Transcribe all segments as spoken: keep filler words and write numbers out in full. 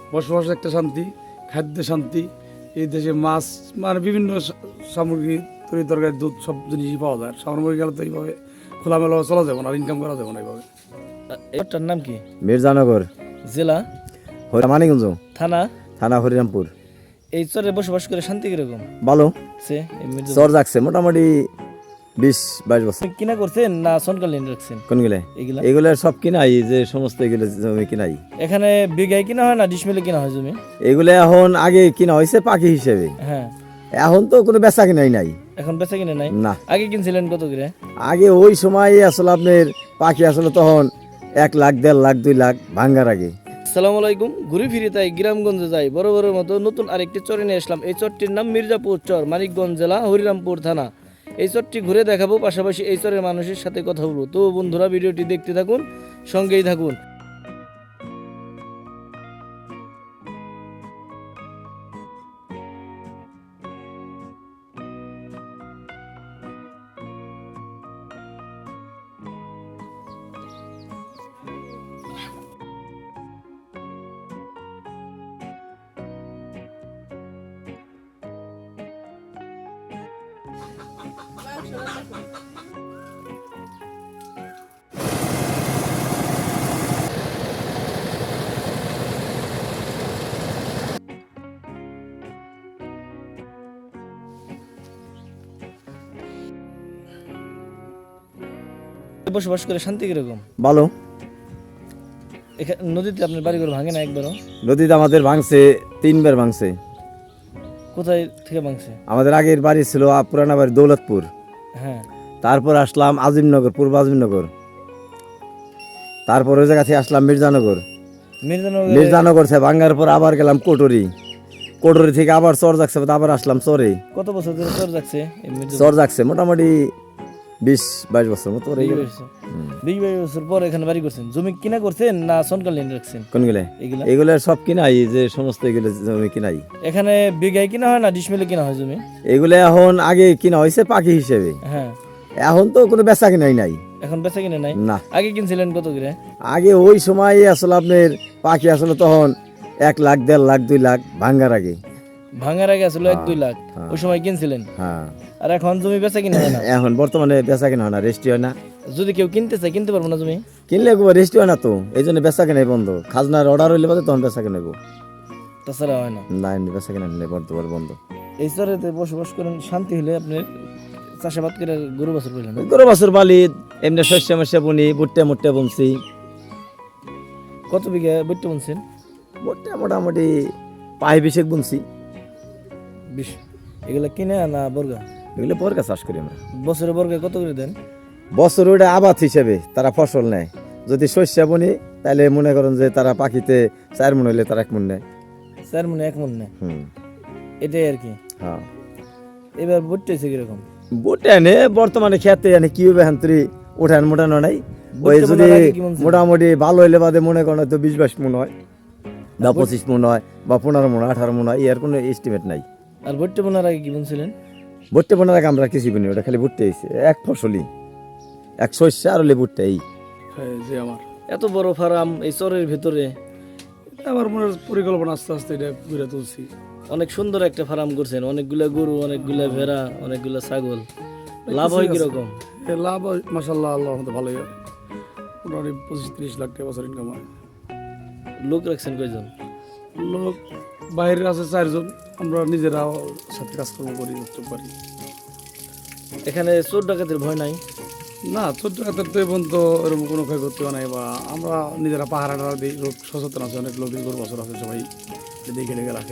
বসবাস একটা শান্তি, খাদ্যে শান্তি। এই দেশে মাছ মানে বিভিন্ন সা- সামগ্রী, তরি তরকারি, দুধ সব জিনিসই পাওয়া যায়। সামগ্রী গেলে তো এইভাবে খোলামেলা চলা যাবে না, আর ইনকাম করা যাবে না এইভাবে। এটার নাম কি? মির্জানগর, জেলা, মানিকগঞ্জ থানা। থানা, হরিরামপুর। এই চরে বসবাস করে শান্তি কিরকম? ভালো, সে এই মির্জা- চর যাচ্ছে মোটামুটি বিশ বাইশ বছর। আপনি কিনা করছেন না সনকালীন রাখছেন কোনগুলো? এগুলা? এগুলো সব কিনাই, যে সমস্ত এগুলো জমি কিনাই। এখানে বিঘায় কিনা হয় না ডিসমিলে কিনা হয় জমি? এগুলো এখন আগে কিনা হয়েছে পাখি হিসেবে, হ্যাঁ। এখন তো কোনো বেচা কিনাই নাই। এখন বেচা কিনে নাই? না, আগে কিনছিলেন কত করে? আগে ওই সময় আসলে আপনার পাখি আসলে তখন এক লাখ দেড় লাখ দুই লাখ ভাঙ্গার আগে। আসসালামু আলাইকুম। ঘুরে ফিরে তাই গ্রামগঞ্জে যাই, বড় বড় মতো নতুন আরেকটি চরে নিয়ে আসলাম। এই চরটির নাম মির্জাপুর চর, মানিকগঞ্জ জেলা, হরিরামপুর থানা। এই চরটি ঘুরে দেখাবো, পাশাপাশি এই চরের মানুষের সাথে কথা বলবো। তো বন্ধুরা, ভিডিওটি দেখতে থাকুন, সঙ্গেই থাকুন। বসবাস করে শান্তি কিরকম? ভালো। এখানে নদীতে আপনার বাড়ি ঘর ভাঙে না একবারও? নদীতে আমাদের ভাঙছে, তিনবার ভাঙছে। কোথায় থেকে ভাঙছে? আমাদের আগের বাড়ি ছিল আ, পুরানা বাড়ি দৌলতপুর। হ্যাঁ। তারপর আসলাম আজিমনগর, পূর্ব আজিমনগর। তারপর ওই জায়গা থেকে আসলাম মির্জানগর। মির্জানগর। মির্জানগর থেকে ভাঙ্গার পর আবার গেলাম কোটরি। কোটরি থেকে আবার চর যাচ্ছে, আবার আসলাম চরে। কত বছর ধরে চর যাচ্ছে এই মির্জাপুর? চর যাচ্ছে মোটামুটি বিশ বাইশ বছর মতো হয়ে গেল। বিশ বাইশ বছর পর এখানে বাড়ি করছেন। জমি কিনা করছেন না সনকালীন রাখছেন? কোনগুলো? এগুলা? এগুলো সব কিনাই, যে সমস্ত এগুলো জমি কিনাই। এখানে বিঘায় কিনা হয় না ডিসমিলে কিনা হয় জমি? এগুলো এখন আগে কিনা হয়েছে পাখি হিসেবে, হ্যাঁ। এখন তো কোনো বেচা কিনাই নাই। এখন বেচা কিনে নাই? না, আগে কিনছিলেন কত করে? আগে ওই সময় আসলে আপনার পাখি আসলে তখন এক লাখ দেড় লাখ দুই লাখ ভাঙ্গার আগে। ভাঙার আগে আসলে এক দুই লাখ ওই সময় কিনছিলেন। হ্যাঁ, আর এখন জমি বেচা কিনে হয় না? এখন বর্তমানে বেচা কিনা হয় না, রেস্টি হয় না। যদি কেউ কিনতে চায় কিনতে পারবো না জমি? কিনলে রেস্টি হয় না তো, এই জন্য বেচা কিনাই বন্ধ। খাজনার অর্ডার হইলে বাদে তখন বেচা কিনাবো, তাছাড়া হয় না। না এমনি বেচা কিনা নিলে বর্তমান বন্ধ। এই চরেতে বসবাস করেন, শান্তি হলে আপনার চাষাবাদ করে গরু বছর করলেন? গরু বছর বালি এমনি শস্য মস্য বুনি, ভুট্টা মুট্টা বুনছি। কত বিঘা বইতে বুনছেন? ভুট্টা মোটামুটি পাই বিশেক বুনছি। বিশ। এগুলা কিনে না বর্গা? এগুলো বর্গা চাষ করি আমরা। বছরে বর্গা কত করে দেন? বছর ওটা আবাদ হিসেবে তারা ফসল নেয়। যদি শস্য বুনি তাহলে মনে করেন যে তারা পাখিতে চার মন হইলে তারা এক মন নেয়। চার মনে এক মন নেয়, হুম, এটাই আর কি। হ্যাঁ। এবার বইতে হয়েছে কিরকম? বুটে এনে বর্তমানে খেতে এনে কি হবে হান্তরি উঠান মোটানো নাই। ওই বুটটা যদি বোনার আগে কি মন ছিল? মোটামুটি ভালো হইলে বাদে মনে করেন তো বিশ বাইশ মন হয়, বা পঁচিশ মন হয়, বা পনেরো মন হয়, আঠারো মন হয়, এর কোনো এস্টিমেট নাই। আর বইতে বোনার আগে কি বুনছিলেন? ভুট্টে বোনার আগে আমরা কিছু বুনি, ওটা খালি ভুট্টে হয়েছে এক ফসলি, এক শস্য আর হলে ভুট্টে। এই হ্যাঁ, যে আমার এত বড় ফার্ম এই চরের ভিতরে, আমার মনের পরিকল্পনা আস্তে আস্তে এটা ঘুরে তুলছি। অনেক সুন্দর একটা ফার্ম করছেন, অনেকগুলা গরু, অনেকগুলা ভেড়া, অনেকগুলা ছাগল। লাভ হয় কিরকম? এ লাভ মাসাল্লাহ আল্লাহ মতো ভালোই হয়, মোটামুটি পঁচিশ তিরিশ লাখ টাকা বছর ইনকাম হয়। লোক রাখছেন কয়জন? লোক বাইরে আছে চারজন, আমরা নিজেরা সাথে কাজকর্ম করি, উৎসব করি। এখানে চোর ডাকাতের ভয় নাই? না, ছোট্ট হাতের তো এখন তো এরকম কোনো ক্ষয়ক্ষতি হয় নাই, বা আমরা নিজেরা পাহাড়া দিই, লোক সচেতন আছে, অনেক লোক গরু বছর আছে, সবাই দেখে দেখে রাখে।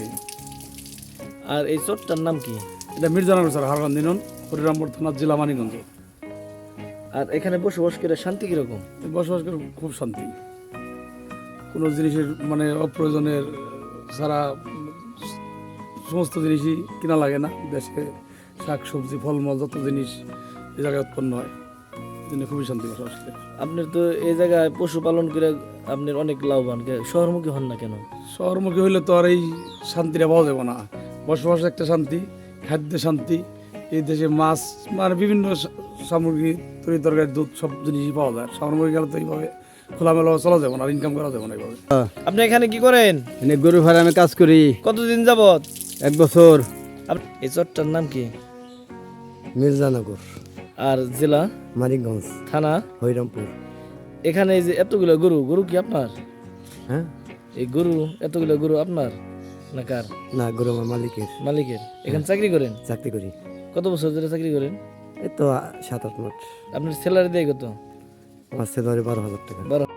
আর এই চরটার নাম কি? এটা মির্জানগর স্যার, হারগান দিনন, হরিরামপুর থানা, জেলা মানিকগঞ্জ। আর এখানে বসবাস করে শান্তি কিরকম? বসবাস করে খুব শান্তি, কোনো জিনিসের মানে অপ্রয়োজনের সারা সমস্ত জিনিসই কিনা লাগে না। দেশে শাক সবজি ফলমূল যত জিনিস এই জায়গায় উৎপন্ন হয়, এই জন্য খুবই শান্তি বসবাস করে। আপনার তো এই জায়গায় পশুপালন করে আপনার অনেক লাভবান, কে- শহরমুখী হন না কেন? শহরমুখী হইলে তো আর এই শান্তিটা পাওয়া যাবে না। বসবাস একটা শান্তি, খাদ্যে শান্তি। এই দেশে মাছ মানে বিভিন্ন সা- সামগ্রী, তরি তরকারি, দুধ সব জিনিসই পাওয়া যায়। শহরমুখী গেলে তো এইভাবে খোলামেলা চলা যাবে না, আর ইনকাম করা যাবে না এইভাবে। আপনি এখানে কি করেন? এনে গরু ফার্মে কাজ করি কতদিন যাবত? এক বছর। আপ- এই চরটার নাম কি? মির্জানগর, আর জেলা? মানিকগঞ্জ, থানা? হরিরামপুর। এখানে এই যে এতগুলো গরু, গরু কি আপনার? হ্যাঁ, এই গরু, এতগুলো গরু আপনার না কার? না, গরু আমার মালিকের, মালিকের। এখানে চাকরি করেন? চাকরি করি। কত বছর ধরে চাকরি করেন? এই তো আ, সাত আট মাস। আপনার স্যালারি দেয় কত? আমার স্যালারি বারো হাজার টাকা। বারো